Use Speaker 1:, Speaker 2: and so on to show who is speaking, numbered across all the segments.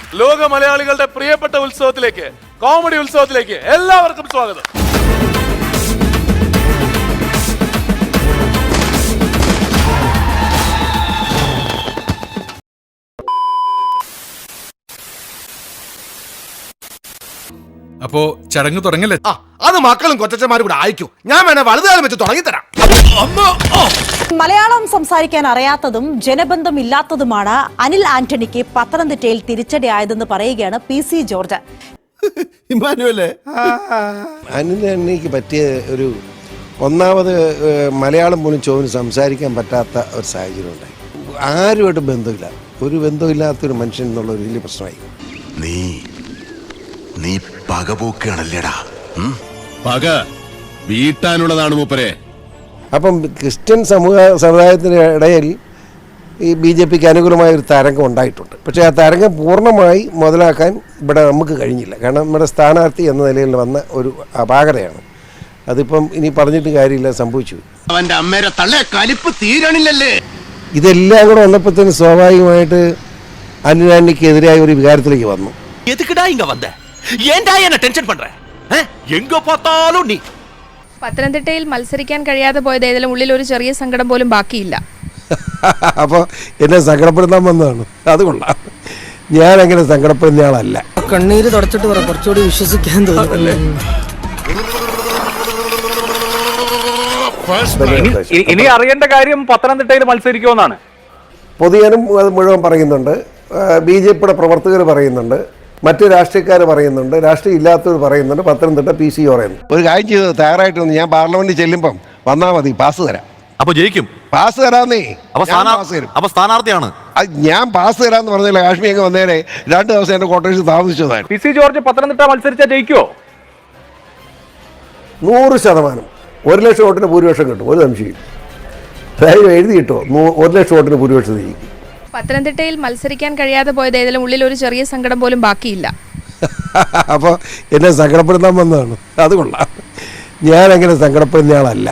Speaker 1: ലോക മലയാളികളുടെ പ്രിയപ്പെട്ട ഉത്സവത്തിലേക്ക്, കോമഡി ഉത്സവത്തിലേക്ക് എല്ലാവർക്കും സ്വാഗതം.
Speaker 2: അപ്പോ ചടങ്ങ് തുടങ്ങല്ലേ?
Speaker 3: അത് മക്കളും കൊച്ചന്മാരും കൂടെ അയക്കൂ. ഞാൻ വേണേ വലുതുകാലം വെച്ച് തുടങ്ങിത്തരാം.
Speaker 4: മലയാളം സംസാരിക്കാൻ അറിയാത്തതും ജനബന്ധമില്ലാത്തതുമാണ് അനിൽ ആന്റണിക്ക് പത്തനംതിട്ടയിൽ തിരിച്ചടിയായതെന്ന് പറയുകയാണ് PC ജോർജ്.
Speaker 3: ഇമ്മാനുവല്ലേ,
Speaker 5: അനിൽ ആന്റണിക്ക് പറ്റിയ ഒരു ഒന്നാമത് മലയാളം പോലും ചോദിന് സംസാരിക്കാൻ പറ്റാത്ത ഒരു സാഹചര്യം ഉണ്ടായി. ആരുമായിട്ട് ബന്ധമില്ല, ഒരു ബന്ധമില്ലാത്തൊരു മനുഷ്യൻ എന്നുള്ള ഒരു വലിയ പ്രശ്നമായി.
Speaker 6: നീ പകപോക്കാണല്ലേടാ.
Speaker 7: പക വീട്ടാനുള്ളതാണ് മൂപ്പരെ.
Speaker 5: അപ്പം ക്രിസ്ത്യൻ സമുദായത്തിൻ്റെ ഇടയിൽ ഈ BJPക്ക് അനുകൂലമായ ഒരു തരംഗം ഉണ്ടായിട്ടുണ്ട്. പക്ഷേ ആ തരംഗം പൂർണ്ണമായി മുതലാക്കാൻ ഇവിടെ നമുക്ക് കഴിഞ്ഞില്ല. കാരണം നമ്മുടെ സ്ഥാനാർത്ഥി എന്ന നിലയിൽ വന്ന ഒരു അപാകതയാണ്. അതിപ്പം ഇനി പറഞ്ഞിട്ട് കാര്യമില്ല, സംഭവിച്ചു.
Speaker 6: അവന്റെ അമ്മേരെ തള്ളേ കലിപ്പ് തീരണില്ലല്ലേ.
Speaker 5: ഇതെല്ലാം കൂടെ വന്നപ്പോഴത്തേന് സ്വാഭാവികമായിട്ട് അനിൽ ആന്റണിക്കെതിരായ ഒരു വികാരത്തിലേക്ക് വന്നു.
Speaker 8: പത്തനംതിട്ടയിൽ മത്സരിക്കാൻ കഴിയാതെ പോയത് ഏതെങ്കിലും ഉള്ളിൽ ഒരു ചെറിയ സങ്കടം പോലും ബാക്കിയില്ല.
Speaker 5: അപ്പോൾ എന്നെ സങ്കടപ്പെടുത്താൻ വന്നതാണ്. അത് കൊള്ളാം. ഞാൻ അങ്ങനെ സങ്കടപ്പെടുന്ന ആളല്ല.
Speaker 9: കണ്ണീര് തുടച്ചിട്ട് പറ, കുറച്ചുകൂടി വിശ്വസിക്കാൻ തോന്നുന്നല്ലേ.
Speaker 10: ഇനി അറിയേണ്ട കാര്യം പത്തനംതിട്ടയിൽ മത്സരിക്കുമെന്നാണ്.
Speaker 5: പൊതുജനം അത് മുഴുവൻ പറയുന്നുണ്ട്, BJPയുടെ പ്രവർത്തകർ പറയുന്നുണ്ട്, മറ്റ് രാഷ്ട്രീയക്കാർ പറയുന്നുണ്ട്, രാഷ്ട്രീയം ഇല്ലാത്തവർ പറയുന്നുണ്ട്, പത്തനംതിട്ട PC പറയുന്നു. ഒരു കാര്യം ചെയ്ത് തയ്യാറായിട്ട് വന്ന് ഞാൻ പാർലമെന്റിൽ ചെല്ലുമ്പം വന്നാൽ മതി, പാസ് തരാം.
Speaker 7: അപ്പൊ ജയിക്കും?
Speaker 5: പാസ് തരാന്നേ.
Speaker 7: അപ്പൊ സ്ഥാനാർത്ഥിയാണ്.
Speaker 5: ഞാൻ പാസ് തരാന്ന് പറഞ്ഞില്ല. കാശ്മീർ അങ്ങ് വന്നേരെ 2 ദിവസം എന്റെ കോട്ടേഴ്സ് താമസിച്ചതാണ്.
Speaker 10: PC ജോർജ് പത്തനംതിട്ട മത്സരിച്ചാൽ ജയിക്കുമോ?
Speaker 5: 100%. 1 ലക്ഷം വോട്ടിന് ഭൂരിപക്ഷം കിട്ടും, ഒരു സംശയം. ധൈര്യം എഴുതി കിട്ടുമോ? 1 ലക്ഷം വോട്ടിന് ഭൂരിപക്ഷം ജയിക്കും.
Speaker 8: പത്തനംതിട്ടയിൽ മത്സരിക്കാൻ കഴിയാതെ പോയത് ഏതെങ്കിലും ഉള്ളിൽ ഒരു ചെറിയ സങ്കടം പോലും ബാക്കിയില്ല.
Speaker 5: അപ്പോൾ എന്നെ സങ്കടപ്പെടുത്താൻ വന്നതാണ്. അത് കൊള്ളാം. ഞാൻ അങ്ങനെ സങ്കടപ്പെടുന്ന ആളല്ല.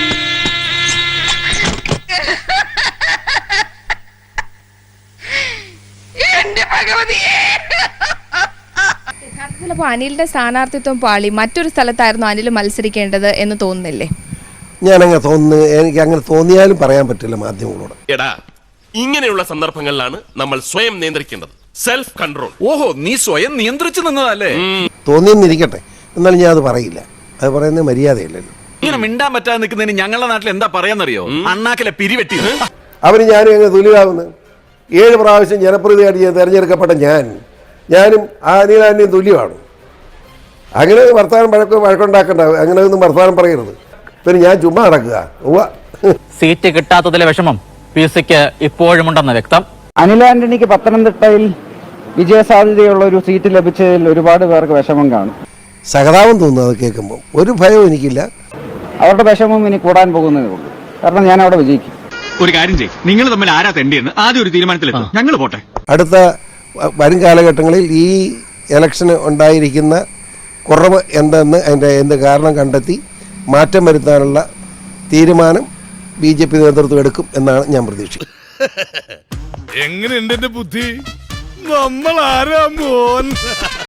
Speaker 8: യഥാർത്ഥത്തിൽ അനിലിന്റെ സ്ഥാനാർത്ഥിത്വം പാളി മറ്റൊരു സ്ഥലത്തായിരുന്നു അനിൽ മത്സരിക്കേണ്ടത് എന്ന് തോന്നുന്നില്ലേ?
Speaker 5: ഞാനങ്ങനെ തോന്നുന്നു. എനിക്ക് അങ്ങനെ തോന്നിയാലും പറയാൻ പറ്റില്ല മാധ്യമങ്ങളോട്.
Speaker 1: എടാ, ഇങ്ങനെയുള്ള സന്ദർഭങ്ങളിലാണ് നമ്മൾ സ്വയം നിയന്ത്രിക്കേണ്ടത്. Self control.
Speaker 2: ഓഹോ, നീ സ്വയം നിയന്ത്രിച്ചു നിന്നതല്ലേ?
Speaker 5: തോന്നിയെന്നിരിക്കട്ടെ, എന്നാലും ഞാൻ അത് പറയില്ല. അത് പറയുന്നത് മര്യാദയില്ലല്ലോ.
Speaker 2: ഇങ്ങനെ മിണ്ടാൻ പറ്റാതെ നിൽക്കുന്നതിന് ഞങ്ങളുടെ നാട്ടിൽ എന്താ പറയാന്നറിയോ? അണ്ണാക്കിലെ പിരിവെട്ടി.
Speaker 5: അവന് ഞാനും എങ്ങനെ തുല്യമാകുന്നു? 7 പ്രാവശ്യം ജനപ്രതിനിധിയായിട്ട് തിരഞ്ഞെടുക്കപ്പെട്ട ഞാനും അനിൽ ആന്റണിയും തുല്യമാണ്. അങ്ങനെ വർത്തമാനം വഴക്കുണ്ടാക്കണ്ട. അങ്ങനെ ഒന്നും വർത്തമാനം പറയരുത്. പിന്നെ ഞാൻ ചുമ്മാ നടക്കുക.
Speaker 9: സീറ്റ് കിട്ടാത്തതിലെ വിഷമം PCക്ക് ഇപ്പോഴുമുണ്ടെന്ന് വ്യക്തം.
Speaker 10: അനിൽ ആന്റണിക്ക് പത്തനംതിട്ടയിൽ വിജയസാധ്യതയുള്ള ഒരു സീറ്റ് ലഭിച്ചതിൽ ഒരുപാട് പേർക്ക് വിഷമം കാണും.
Speaker 5: സഹതാപം തോന്നുന്നു അത് കേൾക്കുമ്പോൾ. ഒരു ഭയവും എനിക്കില്ല.
Speaker 10: അവരുടെ വിഷമം ഇനി കൂടാൻ പോകുന്നതേ ഉള്ളൂ. കാരണം ഞാൻ അവിടെ വിജയിക്കും.
Speaker 7: ഒരു കാര്യം ചെയ്യും, നിങ്ങൾ തമ്മിൽ ആരാ തെണ്ടിയെന്ന് ആദ്യം ഒരു തീരുമാനത്തിലെത്തും. ഞങ്ങൾ പോട്ടെ.
Speaker 5: അടുത്ത വരും കാലഘട്ടങ്ങളിൽ ഈ ഇലക്ഷന് ഉണ്ടായിരിക്കുന്ന കുറവ് എന്തെന്ന് എന്ത് കാരണം കണ്ടെത്തി മാറ്റം വരുത്താനുള്ള തീരുമാനം BJP നേതൃത്വം എടുക്കും എന്നാണ് ഞാൻ പ്രതീക്ഷിക്കുന്നത്.
Speaker 2: എങ്ങനെയുണ്ട് എന്റെ ബുദ്ധി? നമ്മൾ ആരാ മോൻ?